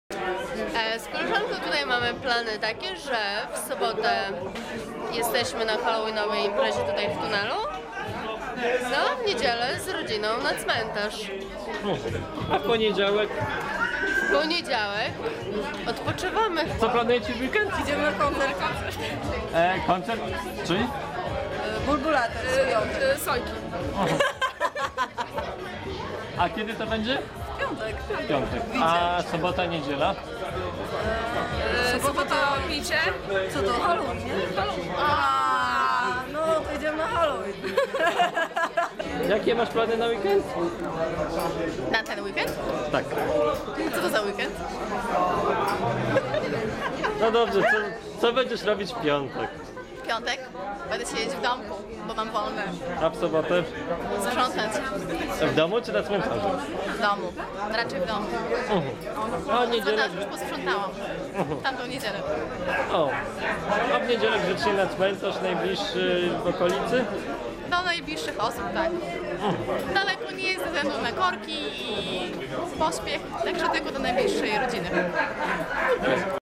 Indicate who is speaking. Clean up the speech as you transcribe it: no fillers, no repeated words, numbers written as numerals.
Speaker 1: Z koleżanką tutaj mamy plany takie, że w sobotę jesteśmy na halloweenowej imprezie tutaj w tunelu, no a w niedzielę z rodziną na cmentarz.
Speaker 2: A w poniedziałek?
Speaker 1: W poniedziałek odpoczywamy.
Speaker 2: Co planujecie w weekend?
Speaker 3: Idziemy na koncert.
Speaker 2: Koncert? Czyli?
Speaker 3: Bulbulator. Sojki.
Speaker 2: A kiedy to będzie?
Speaker 3: Piątek.
Speaker 2: W piątek. A sobota, niedziela?
Speaker 3: Sobota picie. Co to? Halloween, nie? A, no to idziemy na Halloween.
Speaker 2: Jakie masz plany na weekend?
Speaker 1: Na ten weekend?
Speaker 2: Tak.
Speaker 1: Co to za weekend?
Speaker 2: No dobrze, co będziesz robić w piątek?
Speaker 1: W piątek będę siedzieć w domku, bo mam wolne.
Speaker 2: A w sobotę?
Speaker 1: Sprzątać
Speaker 2: W domu czy na cmentarzu?
Speaker 1: w domu, raczej w domu.
Speaker 2: A
Speaker 1: W
Speaker 2: niedzielę?
Speaker 1: cmentarzu już posprzątałam. Tamtą niedzielę.
Speaker 2: O. A w niedzielę grzecznie na cmentarz najbliższy w okolicy?
Speaker 1: Do najbliższych osób, tak. Daleko nie jest ze względu na korki i pośpiech, także tylko do najbliższej rodziny.